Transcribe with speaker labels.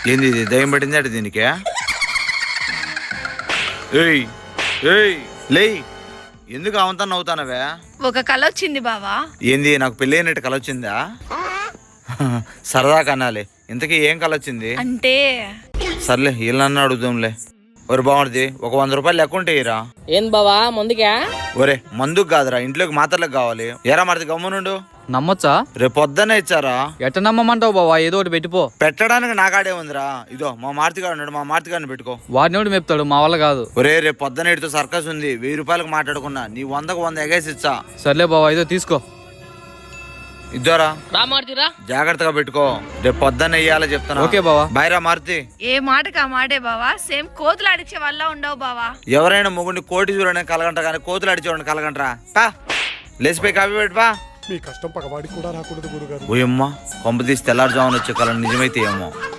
Speaker 1: ఏంది ఇది దయ్యం పట్టింది అంటే దీనికి? ఏయ్ ఏయ్ లే, ఎందుకు అవంతా నవ్వుతానవే?
Speaker 2: ఒక కళ వచ్చింది బావా.
Speaker 1: ఏంది నాకు పెళ్ళి అయినట్టు కల వచ్చిందా? సరదా కనాలి. ఇంతకీ ఏం కల వచ్చింది?
Speaker 2: అంటే
Speaker 1: సర్లే వీళ్ళన్నా అడుగుదాంలే. ఒరే బాగుంది, ఒక 100 రూపాయలు లెక్క ఉంటే ఇరా.
Speaker 3: ఏం బావా ముందుకా?
Speaker 1: ఒరే మందుకు కాదురా, ఇంట్లోకి మాత్రలకు కావాలి. ఎరా మరిది గమ్మునుండు.
Speaker 4: నమ్మొచ్చా?
Speaker 1: రేపు పొద్దున్నే ఇచ్చారా?
Speaker 4: ఎట్ట నమ్మమంటావు బావా? ఏదో ఒకటి పెట్టిపో.
Speaker 1: పెట్టడానికి నాకాడే ఉందిరా. ఇదో మా మార్తిగాడు ఉన్నాడు, మా మార్తిగాడిని పెట్టుకో.
Speaker 4: వాడినోడు మెప్తాడు, మా వల్ల కాదు.
Speaker 1: ఒరే రేపు పొద్దున్న ఇటుతో సర్కస్ ఉంది, 1000 రూపాయలకు మాట్లాడుకున్నా. నీ 100కు 100 ఎగేసి ఇచ్చా.
Speaker 4: సర్లే బావా, ఇదో తీసుకో.
Speaker 1: ఇద్దరా
Speaker 3: రా మారుతిరా.
Speaker 1: జాగ్రత్తగా పెట్టుకో, రేపు పొద్దున్న వెయ్యాలో చెప్తాను.
Speaker 4: ఓకే బావా.
Speaker 1: బాయ్రా మారుతి.
Speaker 2: ఏ మాటకు ఆ మాటే బావా. సేమ్ కోతులు అడిచే వల్ల ఉండవు బావా.
Speaker 1: ఎవరైనా మొగుడిని కోటి చూడడానికి కలగంట కానీ కోతులు అడిచి చూడండి కలగంటరా. పా లేచిపోయి కాపీ పెట్టుపా.
Speaker 5: మీ కష్టం పగవాడికి కూడా రాకూడదు గురుగారు.
Speaker 1: ఓయమ్మ కొంప తీసి తెల్లారుజామున వచ్చే కళ నిజమైతే ఏమో.